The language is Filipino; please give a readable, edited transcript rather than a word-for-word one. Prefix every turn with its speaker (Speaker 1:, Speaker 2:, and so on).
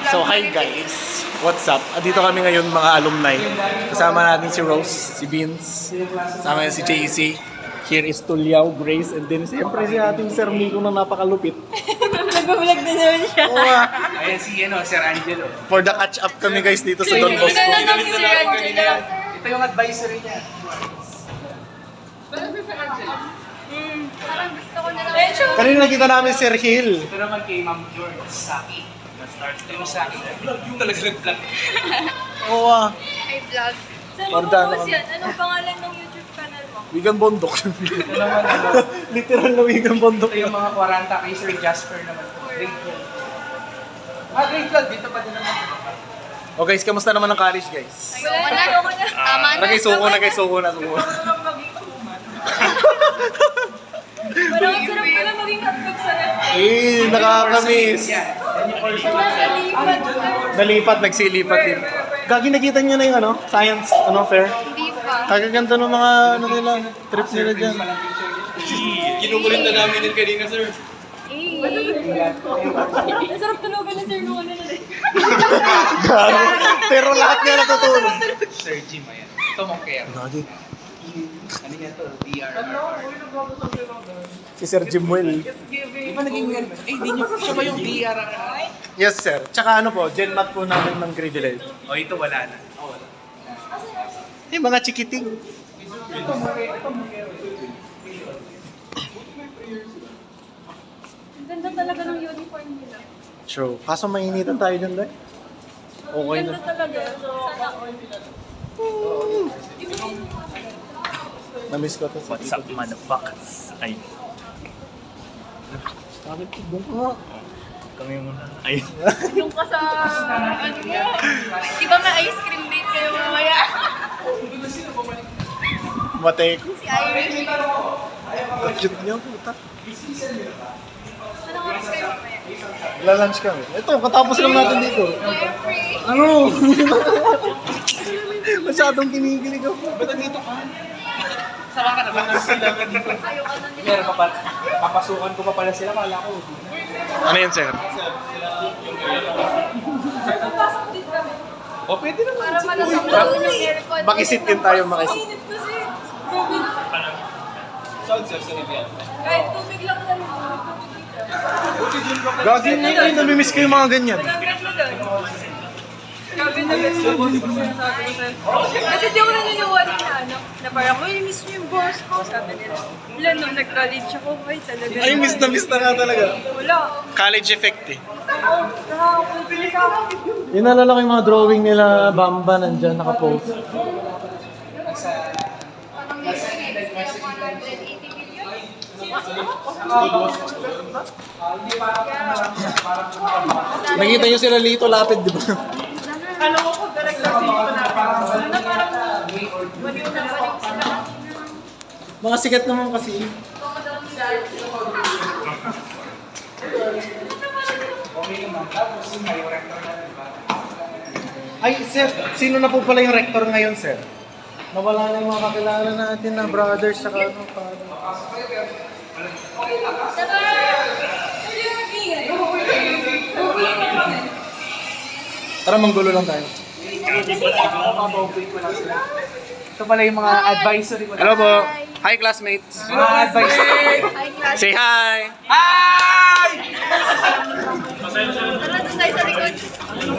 Speaker 1: So hi guys, what's up? Andito kami ngayon mga alumni. Kasama natin si Rose, si Vince, kasama natin si JC. Here is Tuliao, Grace, and then siyempre si ating Sir Miko na napakalupit.
Speaker 2: Nag-vlog din naman siya.
Speaker 1: Oo nga.
Speaker 3: Ayan si Sir Angelo.
Speaker 1: For the catch up kami guys dito sa Don Bosco.
Speaker 2: Nanonood si Sir Angelo.
Speaker 3: Ito yung advisory niya.
Speaker 2: Parang gusto ko na lang.
Speaker 1: Kanina nakita namin Sir Hill.
Speaker 3: Ito naman kay Ma'am George Saki. Na-start yung Saki. Yung talaga nag-vlog.
Speaker 1: Oo nga.
Speaker 2: Ay, vlog. Saan mo
Speaker 1: Pardon,
Speaker 2: po yan? Anong pangalan ng YouTube channel mo?
Speaker 1: Wigan Bondok.
Speaker 3: Ito naman
Speaker 1: Literal na Wigan Bondok.
Speaker 3: ito yung mga 40 kay Sir Jasper naman. Great vlog. Great vlog. Dito pa din naman.
Speaker 1: O guys, kamusta naman ang college guys?
Speaker 2: Ayoko na. Tama na.
Speaker 1: Nagay-suko na.
Speaker 2: Parang ang sarap pala maging hotdog sa ref.
Speaker 1: Nakakamiss.
Speaker 2: Nalipat.
Speaker 1: Nalipat, nagsilipat din. Gagi, nakita niyo na yung science, fair?
Speaker 2: Hindi pa.
Speaker 1: Kagaganda ng mga, nila, trip nila dyan.
Speaker 3: Kinukulit na namin din kanina, sir.
Speaker 2: Ang sarap tulogan na sir nung ano na rin.
Speaker 1: Pero lahat nga natutulog.
Speaker 3: Sir Jim, ayan. Ito mong care.
Speaker 1: Gagi,
Speaker 3: Ano niya to? DR.
Speaker 1: si Sir Jimuel.
Speaker 3: Di ba naging weird? Di niyo. Siya ba yung DR?
Speaker 1: Yes, sir. Tsaka GenMat po namin ng privilege.
Speaker 3: O, ito wala na. Wala.
Speaker 1: Eh, mga chikiting.
Speaker 2: Ang ganda talaga ng uniform nila.
Speaker 1: True. Kaso mainitan tayo dyan, dahil. Okay
Speaker 2: Ganda
Speaker 1: na.
Speaker 2: talaga. Sana all.
Speaker 1: Namiss ko to.
Speaker 4: What's up, motherfuckers? Ay,
Speaker 1: Bakit doon ka nga?
Speaker 4: kami muna. Ay,
Speaker 2: Yung ka sa ano mo. Di ba may ice cream date kayo mamaya?
Speaker 1: Matay ko.
Speaker 2: Si Irish.
Speaker 1: Cute niya, puta.
Speaker 2: Anong oras kayo mamaya?
Speaker 1: Lalunch kami. Ito, katapos lang natin dito.
Speaker 2: We're free.
Speaker 1: Ano? Masyadong kinikilig ako.
Speaker 3: Ba't nandito ka? Sama ka na ba?
Speaker 2: Ayoko na nila.
Speaker 3: Meron pa pa. Papasukan ko pa pala sila. Kala ko.
Speaker 1: Ano yun, sir?
Speaker 2: Papasok din kami.
Speaker 3: O, pwede naman.
Speaker 2: Para malasang doon yung aircon.
Speaker 1: Makisit din tayo, makisit.
Speaker 2: Mainit kasi. Grabe na.
Speaker 3: Sound sir, sa Rivian.
Speaker 2: Kahit tubig lang na rin.
Speaker 1: Gagi na yun, namimiss ko yung mga ganyan.
Speaker 2: Nagagad mo doon. Grabe na guys. Dati di ako naniniwala na parang, uy, miss mo yung boss ko. Sabi nila. Wala, nung nag-college ako, ay talaga.
Speaker 1: Ay, miss na nga talaga.
Speaker 2: Wala.
Speaker 1: College effect eh.
Speaker 2: Oo, nakakapilis ako.
Speaker 1: Yung nalala ko yung mga drawing nila, Bamba, nandyan, nakapost. Nakita nyo sila Lito Lapid, di ba?
Speaker 2: Alam mo kung talagang dito na parang baliw na balik sila.
Speaker 1: Mga sikat naman kasi. Ay, sir, sino na po pala yung rector ngayon, sir? Nawala na yung mga kakilala natin na brothers sa ano, father. Tara, manggulo lang tayo.
Speaker 3: Ito pala yung mga advisory ko.
Speaker 1: Hello po. Hi, classmates.
Speaker 3: Mga advisory.
Speaker 2: Hi, class.
Speaker 1: Say hi.
Speaker 3: Hi!
Speaker 2: Tara, doon tayo sa likod.